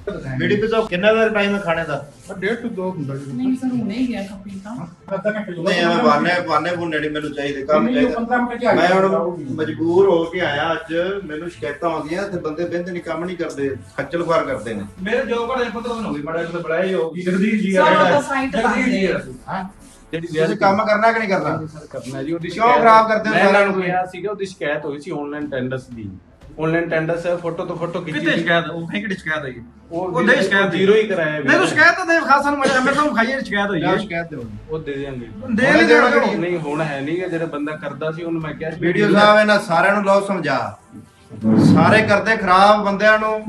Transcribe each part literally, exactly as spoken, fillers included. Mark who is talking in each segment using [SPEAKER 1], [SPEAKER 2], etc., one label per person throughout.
[SPEAKER 1] BDP तो कितना देर time है खाने का?
[SPEAKER 2] डेढ़ टू दो ਹੁੰਦਾ ਜੀ
[SPEAKER 3] ਨਹੀਂ ਸਰ ਹੁਣੇ ਹੀ ਗਿਆ ਕਾਫੀ ਤਾਂ
[SPEAKER 2] ਅੱਧਾ ਘੰਟੇ ਜੋ
[SPEAKER 1] नहीं हमें बाने बाने बुने नहीं मैंने चाहिए काम चाहिए
[SPEAKER 2] ਪੰਦਰਾਂ ਮਿੰਟ ਚ ਆ
[SPEAKER 1] मैं
[SPEAKER 2] ਜਾਊਗਾ।
[SPEAKER 1] ਹੁਣ ਮਜਬੂਰ ਹੋ ਕੇ ਆਇਆ ਅੱਜ ਮੈਨੂੰ ਸ਼ਿਕਾਇਤਾਂ ਆਉਂਦੀਆਂ ਤੇ ਬੰਦੇ ਬਹਿੰਦੇ ਨਹੀਂ ਕੰਮ ਨਹੀਂ ਕਰਦੇ ਖੱਜਲ ਖੁਆਰ ਕਰਦੇ ਨੇ
[SPEAKER 4] ਮੇਰੇ ਜੋ ਘੜੇ ਪਤਾ ਹੋ ਗਈ ਬੜਾ ਇੱਕ ਬੜਾ ਹੀ ਹੋ ਗਈ ਜਗਦੀਸ਼ ਜੀ
[SPEAKER 3] ਸਰ ਉਹ ਤਾਂ ਸਾਈਟ
[SPEAKER 4] ਜਗਦੀਸ਼ ਜੀ
[SPEAKER 2] ਹਾਂ
[SPEAKER 4] ਜਿਹੜੀ
[SPEAKER 1] ਤੁਸੀਂ ਕੰਮ ਕਰਨਾ ਕਿ ਨਹੀਂ ਕਰਨਾ?
[SPEAKER 4] ਸਰ ਕਰਨਾ ਜੀ ਉਹਦੀ
[SPEAKER 1] ਕਿਉਂ ਖਰਾਬ ਕਰਦੇ ਹੋ
[SPEAKER 4] ਮੈਂ ਇਹਨਾਂ
[SPEAKER 1] ਸਾਰਿਆਂ
[SPEAKER 4] ਨੂੰ
[SPEAKER 1] ਨੂੰ?
[SPEAKER 4] ਕਿਹਾ ਸੀਗਾ ਉਹਦੀ ਸ਼ਿਕਾਇਤ ਹੋਈ ਸੀ ਆਨਲਾਈਨ ਟੈਂਡਰਸ ਦੀ ਆਨਲਾਈਨ ਟੈਂਡਰਸ ਫੋਟੋ ਤੋਂ ਫੋਟੋ ਖਿੱਚੀ
[SPEAKER 5] ਕਿਤੇ ਸ਼ਿਕਾਇਤ ਉਹ ਕਹੀਂ ਕਿਹੜੀ ਸ਼ਿਕਾਇਤ ਹੋਈ
[SPEAKER 4] ਉਹ
[SPEAKER 5] ਉਹ ਨਹੀਂ ਸ਼ਿਕਾਇਤ
[SPEAKER 4] ਜ਼ੀਰੋ ਹੀ ਕਰਾਇਆ
[SPEAKER 5] ਨਹੀਂ ਤੂੰ ਸ਼ਿਕਾਇਤ ਤਾਂ ਦੇ ਖਾਸ ਸਾਨੂੰ ਮੈਂ ਮੇਰੇ ਤੋਂ ਖਾਈਏ ਸ਼ਿਕਾਇਤ ਹੋਈ ਹੈ
[SPEAKER 1] ਜਾਂ ਸ਼ਿਕਾਇਤ ਦਿਓ
[SPEAKER 4] ਉਹ ਦੇ ਦੇਣਗੇ
[SPEAKER 5] ਦੇ ਨਹੀਂ ਦੇਣਾ
[SPEAKER 1] ਕਿਹੜੀ?
[SPEAKER 4] ਨਹੀਂ ਹੁਣ ਹੈ ਨਹੀਂ ਜਿਹੜਾ ਬੰਦਾ ਕਰਦਾ ਸੀ ਉਹਨੂੰ ਮੈਂ ਕਿਹਾ ਸੀ
[SPEAKER 1] ਵੀਡੀਓ ਸਾਹਿਬ ਇਹਨਾਂ ਸਾਰਿਆਂ ਨੂੰ ਲਓ ਸਮਝਾ ਸਾਰੇ ਕਰਦੇ ਖਰਾਬ ਬੰਦਿਆਂ ਨੂੰ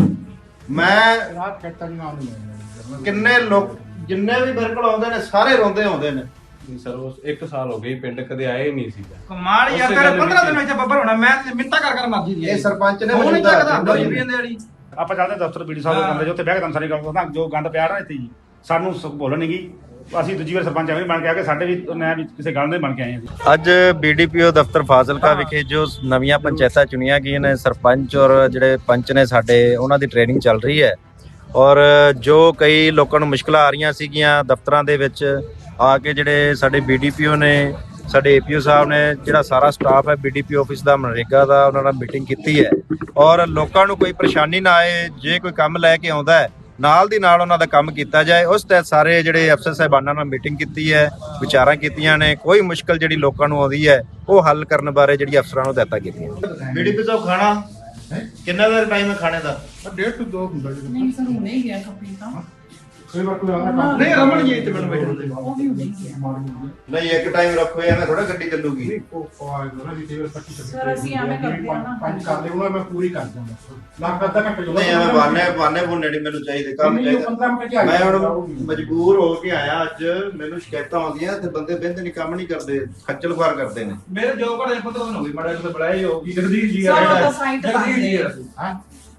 [SPEAKER 1] ਮੈਂ
[SPEAKER 2] ਰਾਤ ਕੱਟਣ ਨੂੰ ਆਉਂਦੇ
[SPEAKER 1] ਕਿੰਨੇ ਲੋਕ ਜਿੰਨੇ ਵੀ ਮੇਰੇ ਕੋਲ ਆਉਂਦੇ ਨੇ ਸਾਰੇ ਰੋਂਦੇ ਆਉਂਦੇ ਨੇ
[SPEAKER 4] ਨਹੀਂ ਸਰ ਉਸ ਇੱਕ ਸਾਲ ਹੋ ਗਈ ਪਿੰਡ ਕਦੇ ਆਏ ਨਹੀਂ ਸੀਗਾ
[SPEAKER 5] ਕਮਾਲ ਯਾਰ
[SPEAKER 4] ਉਸੇ
[SPEAKER 5] ਤੇਰੇ
[SPEAKER 4] ਗੱਲ
[SPEAKER 5] ਪੰਦਰਾਂ
[SPEAKER 4] ਵਿੱਚ-
[SPEAKER 5] ਦਿਨ ਵਿੱਚ ਬੱਬਰ ਹੋਣਾ ਮੈਂ ਮਿੰਤਾ ਕਰ ਕਰ ਮਰਜੀ ਦੀ
[SPEAKER 1] ਇਹ ਸਰਪੰਚ ਨੇ
[SPEAKER 5] ਉਹ ਨਹੀਂ
[SPEAKER 1] ਮੌਜੂਦਾ
[SPEAKER 5] ਚੱਕਦਾ
[SPEAKER 1] ਹੁੰਦਾ
[SPEAKER 5] ਦੋ
[SPEAKER 1] ਜੀ।
[SPEAKER 5] ਰੁਪਏ ਦੇ ਵਾਲੀ
[SPEAKER 6] ਆਪਾਂ ਚੱਲਦੇ ਦਫ਼ਤਰ ਬੀਡੀ ਸਾਹਿਬ ਦੇ ਕਮਰੇ 'ਚ ਉੱਥੇ ਬਹਿ ਕੇ ਤੁਹਾਨੂੰ ਸਾਰੀ ਗੱਲ ਦੱਸਦਾ ਜੋ ਗੰਦ ਪਿਆ ਨਾ ਇੱਥੇ ਜੀ ਸਾਨੂੰ ਸ- ਬੋਲਣ ਨਹੀਂ ਗਈ ਅਸੀਂ ਦੂਜੀ ਵਾਰ ਸਰਪੰਚ ਐਵੇਂ ਬਣ ਕੇ ਆ ਕੇ ਸਾਡੇ ਵੀ ਮੈਂ ਵੀ ਕਿਸੇ ਗੱਲ ਦੇ ਬਣ ਕੇ ਆਏ ਹਾਂ ਜੀ।
[SPEAKER 7] ਅੱਜ ਬੀਡੀਪੀਓ ਦਫ਼ਤਰ ਫਾਜ਼ਿਲਕਾ ਵਿਖੇ ਜੋ ਨਵੀਆਂ ਪੰਚਾਇਤਾਂ ਚੁਣੀਆਂ ਗਈਆਂ ਨੇ ਸਰਪੰਚ ਔਰ ਜਿਹੜੇ ਪੰਚ ਨੇ ਸਾਡੇ ਉਹਨਾਂ ਦੀ ਟ੍ਰੇਨਿੰਗ ਚੱਲ ਰਹੀ ਹੈ ਔਰ ਜੋ ਕਈ ਲੋਕਾਂ ਨੂੰ ਮੁਸ਼ਕਲਾਂ ਆ ਰਹੀਆਂ ਸੀਗੀਆਂ ਦਫ਼ਤਰਾਂ ਦੇ ਵਿੱਚ ਆ ਕੇ ਜਿਹੜੇ ਸਾਡੇ ਬੀਡੀਪੀਓ ਨੇ ਸਾਡੇ ਏਪੀਓ ਸਾਹਿਬ ਨੇ ਜਿਹੜਾ ਸਾਰਾ ਸਟਾਫ ਹੈ ਬੀਡੀਪੀ ਆਫਿਸ ਦਾ ਮਨਰੇਗਾ ਦਾ ਉਹਨਾਂ ਨਾਲ ਮੀਟਿੰਗ ਕੀਤੀ ਹੈ ਔਰ ਲੋਕਾਂ ਨੂੰ ਕੋਈ ਪਰੇਸ਼ਾਨੀ ਨਾ ਆਏ ਜੇ ਕੋਈ ਕੰਮ ਲੈ ਕੇ ਆਉਂਦਾ ਹੈ ਨਾਲ ਦੀ ਨਾਲ ਉਹਨਾਂ ਦਾ ਕੰਮ ਕੀਤਾ ਜਾਏ ਉਸ ਤਹਿਤ ਸਾਰੇ ਜਿਹੜੇ ਅਫਸਰ ਸਾਹਿਬਾਨਾਂ ਨਾਲ ਮੀਟਿੰਗ ਕੀਤੀ ਹੈ ਵਿਚਾਰਾਂ ਕੀਤੀਆਂ ਨੇ ਕੋਈ ਮੁਸ਼ਕਲ ਜਿਹੜੀ ਲੋਕਾਂ ਨੂੰ ਆਉਂਦੀ ਹੈ ਉਹ ਹੱਲ ਕਰਨ ਬਾਰੇ ਜਿਹੜੀ ਅਫਸਰਾਂ ਨੂੰ ਹਦਾਇਤਾਂ ਕੀਤੀਆਂ
[SPEAKER 1] बीडीपी तो खाना कितना देर टाइम है खाने का?
[SPEAKER 2] ਡੇਢ ਟੂ ਦੋ ਹੁੰਦਾ ਜੀ
[SPEAKER 3] ਨਹੀਂ ਸਰ ਹੁਣੇ ਹੀ ਗਿਆ ਕਾਫੀ ਤਾਂ
[SPEAKER 2] ਕਈ ਵਾਰ ਕੋਈ ਆਉਂਦਾ
[SPEAKER 5] ਨਹੀਂ ਰਮਨ ਜੀ ਇੱਥੇ ਮੈਨੂੰ ਬੈਠਣ ਦੇ
[SPEAKER 3] ਉਹ ਵੀ ਹੁਣੇ ਹੀ ਗਿਆ
[SPEAKER 1] नहीं एक टाइम रखो या मैं थोड़ा गड्डी चलूगी
[SPEAKER 2] ਉਹ ਆਏਗਾ ਨਾ ਵੀ ਕਈ ਪੱਚੀ
[SPEAKER 3] ਸਰ, ਅਸੀਂ ਐਵੇਂ ਕਰਦੇ ਹਾਂ ਨਾ।
[SPEAKER 2] ਪੰਜ ਕਰ ਦੇ ਉਹਨਾਂ ਮੈਂ ਪੂਰੀ ਕਰ ਦਾਂਗਾ ਲੱਗ ਅੱਧਾ ਘੰਟੇ ਜੋ
[SPEAKER 1] नहीं हमें बाने बाने बुने नहीं ਮੈਨੂੰ ਚਾਹੀਦੇ ਕੰਮ ਚਾਹੀਦਾ
[SPEAKER 2] ਪੰਦਰਾਂ ਮਿੰਟ ਚ ਆ
[SPEAKER 1] ਮੈਂ
[SPEAKER 2] ਜਾਊਗਾ।
[SPEAKER 1] ਹੁਣ ਮਜਬੂਰ ਹੋ ਕੇ ਆਇਆ ਅੱਜ ਮੈਨੂੰ ਸ਼ਿਕਾਇਤਾਂ ਆਉਂਦੀਆਂ ਤੇ ਬੰਦੇ ਬਹਿੰਦੇ ਨਹੀਂ ਕੰਮ ਨਹੀਂ ਕਰਦੇ ਖੱਜਲ ਖੁਆਰ ਕਰਦੇ ਨੇ
[SPEAKER 4] ਮੇਰੇ ਜੋ ਘੜੇ ਪਤਾ ਹੋ ਗਈ ਬੜਾ ਇੱਕ ਬੜਾ ਹੀ ਹੋ ਗਈ ਜਗਦੀਸ਼ ਜੀ
[SPEAKER 3] ਸਰ ਉਹ ਤਾਂ ਸਾਈਟ
[SPEAKER 4] ਜਗਦੀਸ਼ ਜੀ
[SPEAKER 2] ਹਾਂ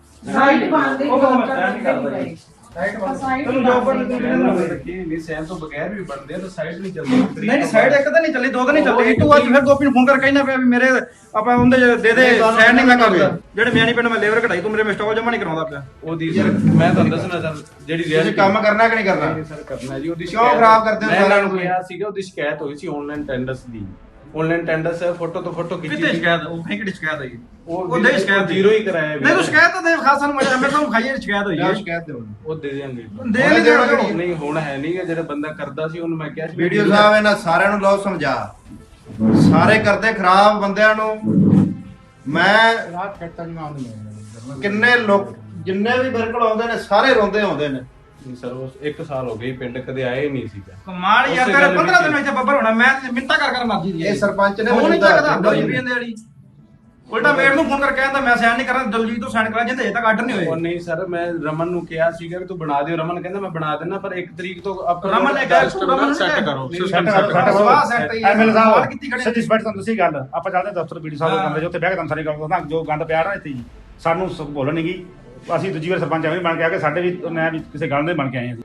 [SPEAKER 3] ਸਾਈਟ ਬੰਦੇ
[SPEAKER 4] ਉਹ ਤਾਂ ਮੈਂ ਸਹਿਣ ਨਹੀਂ ਕਰਦਾ ਜੀ।
[SPEAKER 2] ਸਾਈਡ ਬੰਦ
[SPEAKER 3] ਸਾਈਟ
[SPEAKER 5] ਤੈਨੂੰ ਜੋ ਪਰ
[SPEAKER 4] ਨਹੀਂ ਸਹਿਣ ਤੋਂ ਬਗੈਰ ਵੀ ਬਣਦੇ ਆ ਤਾਂ ਸਾਈਡ ਨਹੀਂ ਚੱਲਦੀ
[SPEAKER 5] ਨਹੀਂ ਨਹੀਂ ਸਾਈਡ ਇੱਕ ਤਾਂ ਨਹੀਂ ਚੱਲੀ ਦੋ ਤਾਂ ਨਹੀਂ ਚੱਲੀ ਇੱਕ ਵਾਰ ਫਿਰ ਗੋਪੀ ਨੂੰ ਫੋਨ ਕਰਕੇ ਕਹਿਣਾ ਪਿਆ ਵੀ ਮੇਰੇ ਆਪਾਂ ਉਹਦੇ ਦੇ ਦੇ
[SPEAKER 1] ਨਹੀਂ, ਤੁਹਾਨੂੰ
[SPEAKER 5] ਸਾਈਡ ਨਹੀਂ ਮੈਂ
[SPEAKER 1] ਕਿਹਨੇ
[SPEAKER 5] ਕਰਦਾ ਜਿਹੜੇ ਮਿਆਣੀ ਪਿੰਡ ਮੈਂ ਲੇਬਰ ਕਢਾਈ ਤੂੰ ਮੇਰੇ ਮਿਸਟਾਕ ਜਮਾ ਨਹੀਂ ਕਰਾਉਂਦਾ ਪਿਆ
[SPEAKER 4] ਉਹਦੀ ਸਰ ਮੈਂ ਤੁਹਾਨੂੰ ਦੱਸਣਾ ਸਰ ਜਿਹੜੀ
[SPEAKER 1] ਤੁਸੀਂ
[SPEAKER 4] reality-
[SPEAKER 1] ਕੰਮ ਕਰਨਾ ਕਿ ਨਹੀਂ ਕਰਨਾ?
[SPEAKER 4] ਨਹੀਂ ਸਰ ਕਰਨਾ ਜੀ ਉਹਦੀ
[SPEAKER 1] ਕਿਉਂ
[SPEAKER 4] ਸ਼ਿਕਾਇਤ-
[SPEAKER 1] ਖਰਾਬ ਕਰਦੇ ਹੋ
[SPEAKER 4] ਮੈਂ ਇਹਨਾਂ
[SPEAKER 1] ਸਾਰਿਆਂ
[SPEAKER 4] ਨੂੰ
[SPEAKER 1] ਨੂੰ?
[SPEAKER 4] ਕਿਹਾ ਸੀਗਾ ਉਹਦੀ ਸ਼ਿਕਾਇਤ ਹੋਈ ਸੀ ਆਨਲਾਈਨ ਟੈਂਡਰਸ ਦੀ ਆਨਲਾਈਨ ਟੈਂਡਰਸ ਫੋਟੋ ਤੋਂ ਫੋਟੋ ਖਿੱਚੀ
[SPEAKER 5] ਕਿਤੇ ਸ਼ਿਕਾਇਤ ਉਹ ਕਹੀਂ ਕਿਹੜੀ ਸ਼ਿਕਾਇਤ ਹੋਈ
[SPEAKER 4] ਉਹ
[SPEAKER 5] ਉਹ ਨਹੀਂ ਸ਼ਿਕਾਇਤ
[SPEAKER 4] ਜ਼ੀਰੋ ਹੀ ਕਰਾਇਆ
[SPEAKER 5] ਨਹੀਂ ਤੂੰ ਸ਼ਿਕਾਇਤ ਤਾਂ ਦੇ ਖਾਸ ਸਾਨੂੰ ਮੈਂ ਮੇਰੇ ਤੋਂ ਖਾਈਏ ਸ਼ਿਕਾਇਤ ਹੋਈ ਹੈ
[SPEAKER 1] ਜਾਂ ਸ਼ਿਕਾਇਤ ਦਿਓ
[SPEAKER 4] ਉਹ ਦੇ ਦੇਣਗੇ
[SPEAKER 5] ਦੇ ਨਹੀਂ ਦੇਣਾ
[SPEAKER 1] ਕਿਹੜੀ?
[SPEAKER 4] ਨਹੀਂ ਹੁਣ ਹੈ ਨਹੀਂ ਜਿਹੜਾ ਬੰਦਾ ਕਰਦਾ ਸੀ ਉਹਨੂੰ ਮੈਂ ਕਿਹਾ ਸੀ
[SPEAKER 1] ਵੀਡੀਓ ਸਾਹਿਬ ਇਹਨਾਂ ਸਾਰਿਆਂ ਨੂੰ ਲਓ ਸਮਝਾ ਸਾਰੇ ਕਰਦੇ ਖਰਾਬ ਬੰਦਿਆਂ ਨੂੰ ਮੈਂ
[SPEAKER 2] ਰਾਤ ਕੱਟਣ ਨੂੰ ਆਉਂਦੇ
[SPEAKER 1] ਕਿੰਨੇ ਲੋਕ ਜਿੰਨੇ ਵੀ ਮੇਰੇ ਕੋਲ ਆਉਂਦੇ ਨੇ ਸਾਰੇ ਰੋਂਦੇ ਆਉਂਦੇ ਨੇ
[SPEAKER 4] ਨਹੀਂ ਸਰ ਉਸ ਇੱਕ ਸਾਲ ਹੋ ਗਈ ਪਿੰਡ ਕਦੇ ਆਏ ਨਹੀਂ ਸੀਗਾ
[SPEAKER 5] ਕਮਾਲ ਯਾਰ
[SPEAKER 4] ਉਸੇ
[SPEAKER 5] ਤੇਰੇ
[SPEAKER 4] ਗੱਲ
[SPEAKER 5] ਪੰਦਰਾਂ
[SPEAKER 4] ਵਿੱਚ-
[SPEAKER 5] ਦਿਨ ਵਿੱਚ ਬੱਬਰ ਹੋਣਾ ਮੈਂ ਮਿੰਤਾ ਕਰ ਕਰ ਮਰਜੀ ਦੀ
[SPEAKER 1] ਇਹ ਸਰਪੰਚ ਨੇ
[SPEAKER 5] ਉਹ ਨਹੀਂ
[SPEAKER 1] ਮੌਜੂਦਾ
[SPEAKER 5] ਚੱਕਦਾ ਦੋ
[SPEAKER 1] ਹੁੰਦਾ
[SPEAKER 5] ਰੁਪਏ ਦੇ ਵਾਲੀ ਉਲਟਾ ਮੇਰ ਨੂੰ ਫੋਨ ਕਰਕੇ ਕਹਿੰਦਾ ਮੈਂ ਸਾਈਨ ਨਹੀਂ ਕਰਨਾ ਦਲਜੀਤ ਤੋਂ ਸਾਈਨ ਕਰਾ ਜਿੰਦੇ ਅਜੇ ਤੱਕ ਆਰਡਰ ਨਹੀਂ
[SPEAKER 4] ਉਹ
[SPEAKER 5] ਹੋਏ
[SPEAKER 4] ਨਹੀਂ ਸਰ ਮੈਂ ਰਮਨ ਨੂੰ ਕਿਹਾ ਸੀਗਾ ਕਿ ਤੂੰ ਬਣਾ ਦਿਓ ਰਮਨ ਕਹਿੰਦਾ ਮੈਂ ਬਣਾ ਦਿੰਦਾ ਪਰ ਇੱਕ ਤਰੀਕ ਤੋਂ ਆਪਣਾ
[SPEAKER 5] ਰਮਨ ਨੇ ਕਿਹਾ ਤੂੰ ਰਮਨ ਨੂੰ
[SPEAKER 4] ਸੈੱਟ
[SPEAKER 5] ਕਿਹਾ।
[SPEAKER 4] ਕਰੋ
[SPEAKER 6] ਸੈੱਟ
[SPEAKER 4] ਸਿਸਟਮ
[SPEAKER 6] ਕਰੋ,
[SPEAKER 4] ਸੈੱਟ
[SPEAKER 6] ਸੈੱਟ
[SPEAKER 4] ਕਰੋ
[SPEAKER 6] ਕਰੋ।
[SPEAKER 5] ਸਵਾਹ ਸੈੱਟ ਹੀ
[SPEAKER 6] ਐਮਐਲ
[SPEAKER 5] ਸਵਾਲ ਕੀਤੀ
[SPEAKER 6] ਸਾਹਿਬ
[SPEAKER 5] ਖੜੇ
[SPEAKER 6] ਸੱਚੀ ਸਪੈਟ ਤੁਹਾਨੂੰ ਤੁਸੀਂ ਗੱਲ ਆਪਾਂ ਚੱਲਦੇ ਦਫ਼ਤਰ ਬੀਡੀ ਸਾਹਿਬ ਦੇ ਕਮਰੇ 'ਚ ਉੱਥੇ ਬਹਿ ਕੇ ਤੁਹਾਨੂੰ ਸਾਰੀ ਗੱਲ ਦੱਸਦਾ ਜੋ ਗੰਦ ਪਿਆ ਨਾ ਇੱਥੇ ਜੀ ਸਾਨੂੰ ਸ- ਬੋਲਣ ਨਹੀਂ ਗਈ ਅਸੀਂ ਦੂਜੀ ਵਾਰ ਸਰਪੰਚ ਐਵੇਂ ਬਣ ਕੇ ਆ ਕੇ ਸਾਡੇ ਵੀ ਮੈਂ ਵੀ ਕਿਸੇ ਗੱਲ ਦੇ ਬਣ ਕੇ ਆਏ ਹਾਂ ਜੀ।